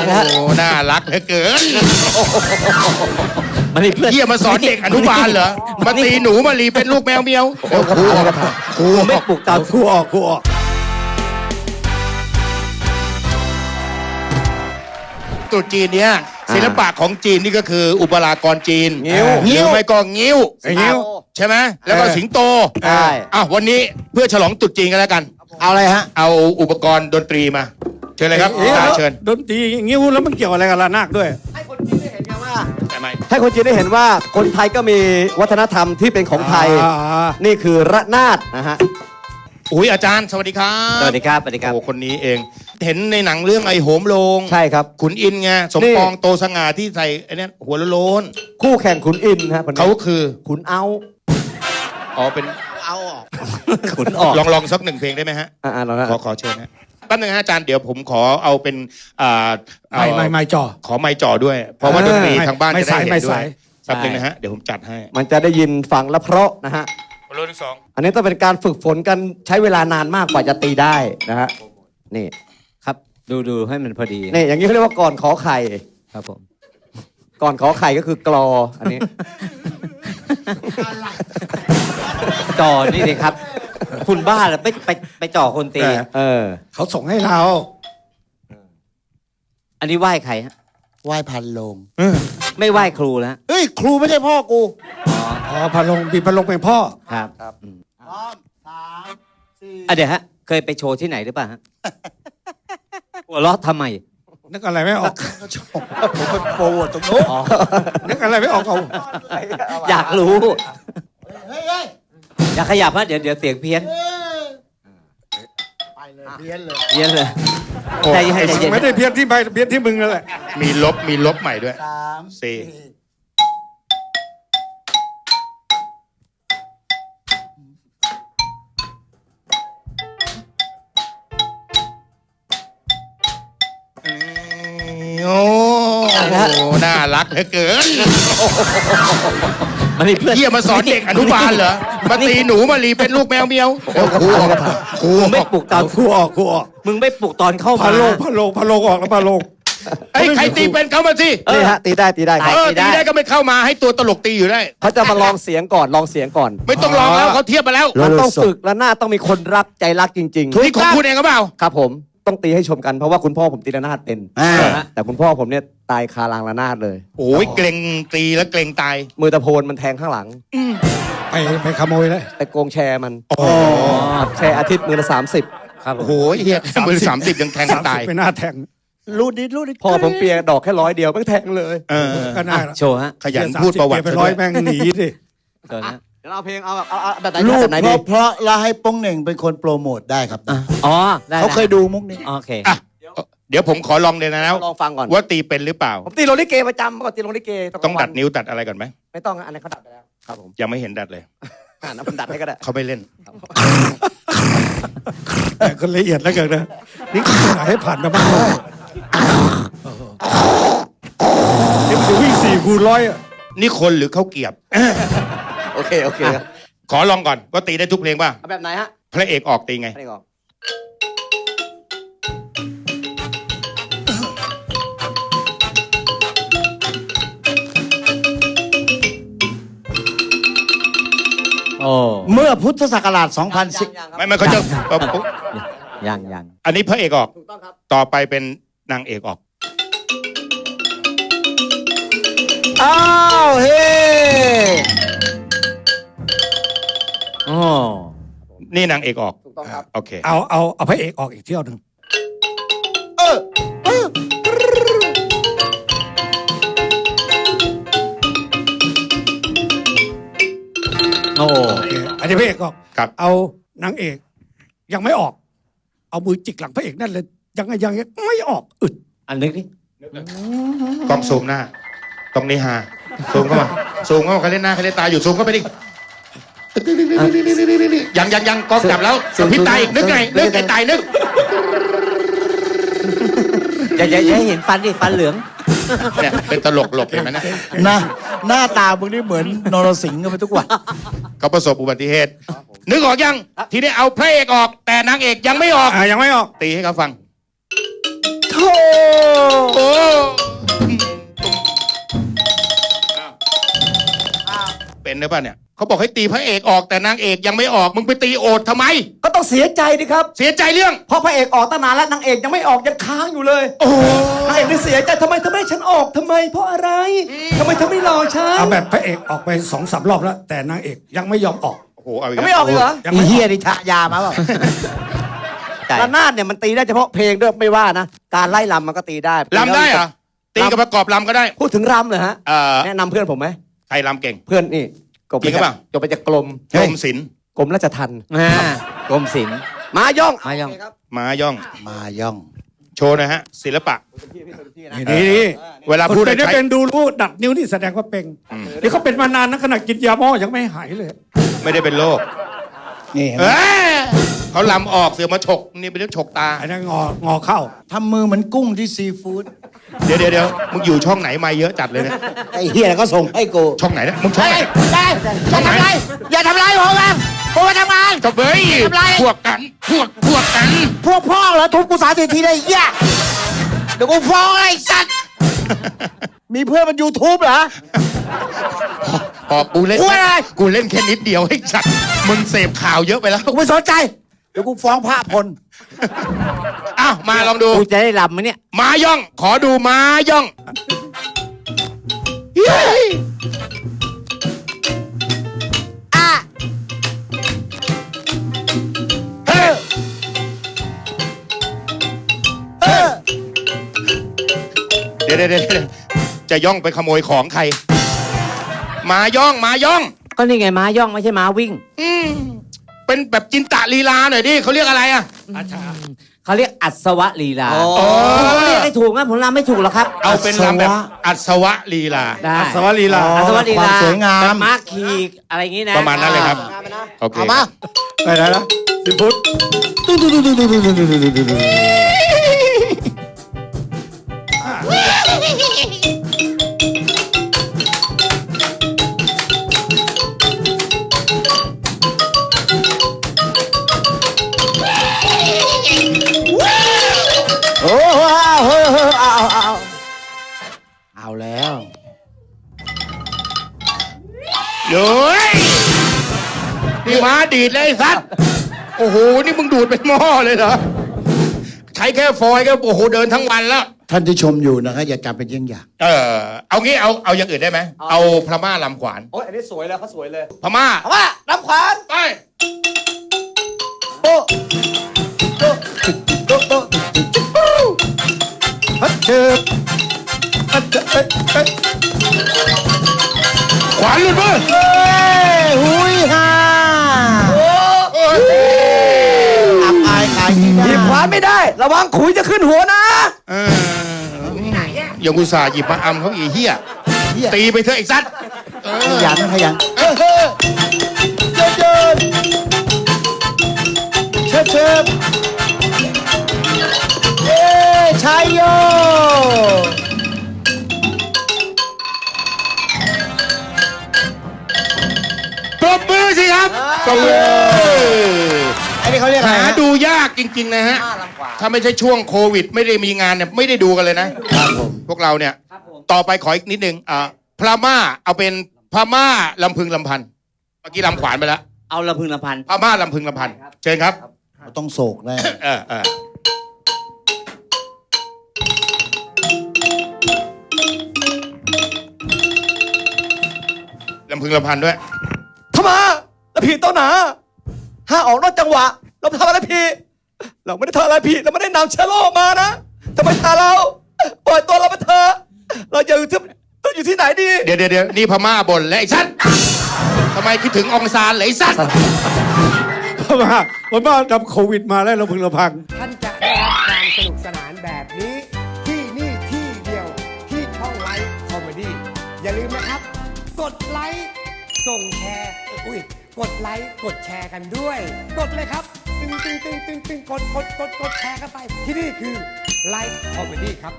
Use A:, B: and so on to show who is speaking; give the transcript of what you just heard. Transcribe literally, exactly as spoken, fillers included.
A: แล้วโอ้
B: น่ารักเหลือเกิน
A: มาลีเพื่อน
B: เยี่ยมาสอนเด็กอนุบาลเหรอมาตีหนูมาลีเป็นลูกแมวเมียวครูออก
A: ครูไม่ปลุกตาม
C: ครูออกครูออก
B: ตรุษจีนเนี้ยศิลปะของจีนนี่ก็คืออุปรากรจีน
C: งิ้ว
B: หรือไม่ก็งิ้ว
C: งิ้ว
B: ใช่ไหมแล้วก็สิงโต
A: ใช่
B: อ่ะวันนี้เพื่อฉลองตรุษจีนกันแล้วกัน
C: เอาอะไรฮะ
B: เอาอุปกรณ์ดนตรีมาเชิญเลยครับตาเชิญ
C: ดนตรีงิ้วแล้วมันเกี่ยวอะไรกับระนาดด้วย
A: ให้คนจีนได้เห็นไงว่า
B: ทำไม
A: ให้คนจีนได้เห็นว่าคนไทยก็มีวัฒนธรรมที่เป็นของไทยนี่คือระนาดนะฮะ
B: อุ้ยอาจารย์สวัสดีครับ
A: สวัสดีครับสวัสดีครับ
B: โอ้คนนี้เองเห็นในหนังเรื่องไอ้โหมโลง
A: ใช่ครับ
B: ขุนอินไงสมปองโตสง่าที่ใส่ไอ้นี่หัวโล้น
A: คู่แข่งขุนอินฮะ
B: เขาคือ
A: ขุนเอา
B: อ๋อเป็น
C: เอาออก
A: ขุนออก
B: ลองลองสักหนึ่งเพลงได้ไหมฮะ
A: อ่าลอง
B: ขอขอเชิญนะแป๊บนึงฮะอาจารย์เดี๋ยวผมขอเอาเป็นอ่า
C: ไม่ไม่ไม่จ่อ
B: ขอไม้จ่อด้วยเพราะว่าดนตรีทางบ้านจะได้เห็นด้วยแป๊บนึงนะฮะเดี๋ยวผมจัดให้
A: มันจะได้ยินฟังและเพราะนะฮะ
B: โลที่สอง
A: อันนี้ต้องเป็นการฝึกฝนกันใช้เวลานานมากกว่าจะตีได้นะฮะนี่ครับดูดูให้มันพอดีนี่อย่างนี้เขาเรียกว่าก่อนขอไข่ครับผมก่อนขอไข่ก็คือกลออันนี้จ่อนี่เลยครับคุณบ้าเหรอไปไปไปจ่อคนตีเออ
C: เขาส่งให้เรา
A: อันนี้ไหว้ใครฮะ
C: ไหว้พันลง
A: ไม่ไหว้ครูแล้ว
C: เฮ้ยครูไม่ใช่พ่อกูอ๋อพันลงมีพันลงเป็นพ่อ
A: ครับครับพร้อมสามสี่อ่ะเดี๋ยวฮะเคยไปโชว์ที่ไหนหรือเปล่าฮะหัวเราะทำไม
C: นึกอะไรไม่ออกผมเป็นโปรโมทตรงนู้นนึกอะไรไม่ออกเอา
A: อยากรู้อยากขยับฮะเดี๋ยวเดี๋ยวเสียงเพี้ยน
C: ไปเลยเพี้ยนเลย
A: เพี้ยนเลย
C: ใจเย็นไม่ได้เพี้ยนที่ใบเพี้ยนที่มึงนั่นแหละ
B: มีลบมีลบใหม่ด้วยสามสี่โอ้น่ารักเหลือเกิน
A: มาลีเพื่อน
B: เยี่ยมาสอนเด็กอนุบาลเหรอมาตีหนูมาลีเป็นลูกแมวเมียว
C: ครูออก
A: ครูไม่ปลุกตอน
C: ครูออกครูออก
A: มึงไม่ปลุกตอนเข้ามา
C: พะโลงพะโลงพะโลงออกแล้วพะโลง
B: ไอ้ใครตีเป็นเข้ามาสิ
A: นี่ฮะตีได้ตีได้
B: เออตีได้ก็ไม่เข้ามาให้ตัวตลกตีอยู่ได้
A: เขาจะมาลองเสียงก่อนลองเสียงก่อน
B: ไม่ต้องลองแล้วเขาเทียบมาแล้ว
A: มันต้องฝึกและหน้าต้องมีคนรักใจรักจริง
B: ๆนี่ของคุณเองก็เปล่า
A: ครับผมต้องตีให้ชมกันเพราะว่าคุณพ่อผมตีระนาดเป็นแต่คุณพ่อผมเนี่ยตายคารางระนาดเลย
B: โอ้ยเกรงตีแล้วเกรงตาย
A: มือตะโพนมันแทงข้างหลัง
C: ไปไปขโมยเลย
A: ไปโกงแชร์มันแชร์อาทิตย์มือละสามสิบครับ
B: โอ้ยเฮียมือสามสิบยังแทงตาย
C: ไปหน้าแทงรูดนิดรูดนิด
A: พ่อผมเปียดอกแค่ร้อยเดียวไม่แทงเลย
B: เออ
C: ก็น่า
A: โชว์ฮะ
B: ขยันพูดประวัติ
C: ไปร้อยแม่งหนีดิ
A: เดี๋ยวนะเดี๋ยวเราเพลงเอาแบบเอาแบบไหน
C: รูดเพราะเพราะเราให้ป้องเหน่งเป็นคนโปรโมทได้ครับ
A: อ๋อ
C: เขาเคยดูมุกนี้
A: โอเค
B: เดี๋ยวผมขอลองเลยนะ
A: ลองฟังก่อน
B: ว่าตีเป็นหรือเปล่า
A: ผมตีโรลิเกประจำก่อนตีโรลิเก
B: ต้องดัดนิ้วตัดอะไรก่อนไหม
A: ไม่ต้องอันนั้นเขาดัดไปแล้วครับผม
B: ยังไม่เห็นดัดเลย
A: อ่าน้ำดัดให้ก็ได้
B: เขาไม่เล่น
C: คนละเอียดแล้วกันนะนี่คือไหนให้ผ่านมาบ้างเดี๋ยวจะวิ่งสี่คูณร้อย
B: นี่คนหรือเขาเกียบ
A: โอเคโอเค
B: ขอลองก่อนว่าตีได้ทุกเพลงป่ะ
A: แบบไหนฮะ
B: พระเอกออกตีไง
C: เมื่อพุทธศักราชสองพันสิบ
B: ไม่ไม่เขาจะ
A: ยังยัง
B: อันนี้พระเอกออกต่อไปเป็นนางเอกออก
C: อ้าวเฮ้
A: โอ้
B: นี่นางเอกออก
A: ถูกต้องครับ
B: โอเค
C: เอาเอาเอาพระเอกออกอีกเที่ยวหนึ่งเออ
A: โอ้
C: อันนี้พระเอกออก
B: เอา
C: นางเอกยังไม่ออกเอามือจิกหลังพระเอกนั่นเลยยังไงยังไม่ออกอึด
A: อันนึกดิ
B: กล้องซูมหน้าตรงนี้ฮะซูมเข้ามาซูมเข้ามาเขาเล่นหน้าเขาเล่นตาอยู่ซูมเข้าไปดิยังยังยังกล้องจับแล้วพิตายอีกนึกไงนึกไอ้ตายนึก
A: อย่าอย่าอย่าเห็นฟันดิฟันเหลือง
B: เนี่ยเป็นตลกหลบเห็นไหมนะ
C: นะหน้าตามึงนี่เหมือนนรสิงห์กันไปทุกวัน
B: เขาประสบอุบัติเหตุนึกออกยังทีนี้เอาพระเอกออกแต่นางเอกยังไม่ออก
C: ยังไม่ออก
B: ตีให้เขาฟัง
C: ท
A: โอ้
B: โอ้เป็นหรือเปล่าเนี่ยเขาบอกให้ตีพระเอกออกแต่นางเอกยังไม่ออกมึงไปตีโอดทำไม
A: ก็ต้องเสียใจดิครับ
B: เสียใจเรื่อง
A: เพราะพระเอกออกตั้งนานแล้วนางเอกยังไม่ออกยังค้างอยู่เลย
B: โอ้
A: นางเอกนี่เสียใจทำไมทำไมฉันออกทำไม เพราะอะไรทำไมเธอไม่รอฉัน
C: เอาแบบพระเอกออกไปสองสามรอบแล้ว แต่นางเอกยังไม่ยอมออก
B: โหเอาอีก
A: ยัง
B: แล้ว
A: ไม่ออกอีกเหรอ
C: ยัง
D: อี
C: ไม่อ
D: เฮี
C: อย ก
D: นี่ทะยามาเปล่า
A: ระนาดเนี่ยมันตีได้เฉพาะเพลงด้วยไม่ว่านะการไล่ลำมันก็ตีได้
B: ลำได้เหรอตีกับประกอบลำก็ได้
A: พูดถึงรำเลยฮะ
B: เอ่อ
A: แนะนำเพื่อนผมไหม
B: ใครลำเก่ง
A: เพื่อนนี่จบ
B: จริงหรือเปล่า
A: จบไปจากกรม
B: กรมศิลป์
A: กรมราชทัณฑ์
D: อ่ากรมศิลป์
A: มาย่อง
D: มาย่อง
A: โเคครับ
B: ม้าย่อง
D: มาย่อง
B: โชว์หนะฮะ ศิลปะ
C: นี่นี่นี่
B: เวลา
C: คน
B: พูด
C: เป็น
B: ใช้
C: เป็นดูรู้ดัดนิ้วนี่แสดงว่าเป็น
B: อืม
C: เดี๋ยวเขาเป็นมานานนะขนาดกินยาหม้อยังไม่หายเลย
B: ไม่ได้เป็นโรค
D: นี่เห็นไหม
B: เอ้ยเขาลำออกเสือมาฉกนี่เป็นเรื่องฉกตา
C: ไอ้นั่นงองอเข้า
D: ทำมือเหมือนกุ้งที่ซีฟู้ด
B: เดี๋ยวเดี๋ยวเดี๋ยวมึงอยู่ช่องไหนมาเยอะจัดเลยเนี่ย
D: ไอ้เฮียก็ส่งให้กู
B: ช่องไหนเนี่ยมึงช่องไหน
D: ได้อย่าทำไรอย่าทำไรผมนะผมมาทำงาน
B: จบเฮ้ย
D: ทำไร
B: พวกกันพวกพวกกัน
D: พวกพ่อเหรอทุบกูสามสิบทีได้เหี้ยเดี๋ยวกูฟ้องไอ้สัตว์มีเพื่อนมันยูทูบเหรอ
B: พอกูเล่น
D: กูอะไร
B: กูเล่นแค่นิดเดียวไอ้สัตว์มึงเสพข่าวเยอะไปแล้ว
D: กูไม่สนใจเดี๋ยวกูฟ้องพระพล
B: อ้าวมาลองดู
D: กูจะได้ลำไหมเนี่ย
B: ม้าย่อง ขอดูม้าย่องเฮ้ย
D: อ่ะ
B: เฮ้ย
D: เออ
B: เดี๋ยวเดี๋ยวเดี๋ยวจะย่องไปขโมยของใครม้าย่องม้าย่อง
D: ก็นี่ไงม้าย่องไม่ใช่ม้าวิ่ง
B: อืมเป็นแบบจินตะลีลาหน่อยดิเขาเรียกอะไรอ่ะ
C: อาชา
D: เขาเรียกอัศวะลีลา
A: โอ้
D: ผมเรียกให้ถูกนะผมรำไม่ถูกหรอกครับ
B: เอาเป็นลำแบบอัศวะลีลา
D: ได้
C: อัศวลีลา
D: อัศวะลี
A: ควา
D: ลาม
A: สวยงาม
D: แบบม้าขี่อะไรอย่างงี้นะ
B: ประมาณนั้นเลยครับ โอเค
D: เอามา
C: ไปไหนนะสิพุทธ
D: โอ้โหเอาเอาเอาเอาเอาแล้ว
B: เย้ยนี่ม้าดีดเลยไอ้สัตว์โอ้โห นี่มึงดูดเป็นหม้อเลยเหรอ ใช้แค่ฟอยล์ก็โอ้โหเดินทั้งวันแล้ว
D: ท่านที่ชมอยู่นะครับอย่าจำเป็นเยี่ยงอย่าง
B: เออ เอางี้เอาเอาอย่างอื่นได้ไหม เอาพม่าลำขวาน
A: โอ้ยอันนี้สวยแล้วเขาสวยเลย
B: พม่า
A: เอาว่าน้ำขวาน
B: ไป
A: โป๊ะโป๊ะโป๊ะโป๊ะ
C: ฮัทเชิบฮัทเชิบเอ้ยเอ้ย
B: ขวานหลุดมือ
D: เฮ้ยหุยฮ่า
B: โอ้ย
D: อับอายขายที่
A: หยิบขวานไม่ได้ ระวังขุยจะขึ้นหัวนะ
B: เอออย่างอุตส่าห์หยิบมาอำเขาอีเหี้ย
D: เหี้ย
B: ตีไปเถอะไอ้สัตว์เอ
D: ข
B: อ
D: ยันขยัน
A: เฮ้ยเฮ้ยเดินเดินเชิบเชิบ
D: เอ้ยชัยโย
B: ปรบมือสิครับปรบมือ
D: ไอ้นี่เขาเรียกอะไร
B: หา
D: ฮะ
B: ดูยากจริง ๆ นะฮะ ถ้าไม่ใช่ช่วงโควิด ไม่ได้มีงานเนี่ยไม่ได้ดูกันเลยนะ
D: ครับผม
B: พวกเราเนี่ย ต่อไปขออีกนิดนึงอ่าพม่าเอาเป็นพม่าลำพึงลำพันเมื่อกี้ลำขวานไปแล้ว
D: เอาละพึงละพัน
B: พม่าลำพึงลำพันเชิญครับ
D: เราต้องโศกแน่
B: เออเออลำพึงลำพันด้วย
A: เข้ามาแล้วพี่เต้าหนาห้าออกนอกจังหวะ เราทำอะไรพี่ เราไม่ได้ทำอะไรพี่ เราไม่ได้นำเชื้อโรคมานะทำไมทาเราปล่อยตัวเราไปเถอะเราจะอยู่ที่ต้องอยู่ที่ไหนดี
B: เดี๋ยวเดี๋ยวเดี๋ยวนี่พม่าบ่นแล้วไอ้สัตว์ทำไมคิดถึงองซานเหรอไอ้สัตว์
C: เพราะว่าผมว่าดับโควิดมาแล้วเราพึงระพัง
E: ท่านจะได้รับความสนุกสนานแบบนี้ ที่นี่ที่เดียวที่ช่องไลฟ์คอมเมดี้อย่าลืมนะครับ กดไลค์ส่งแชร์อุ้ยกดไลค์กดแชร์กันด้วย กดเลยครับ ตึงตึงตึงตึงตึงกดกดกดกดแชร์กันไป ที่นี่คือไลฟ์คอมเมดี้ครับ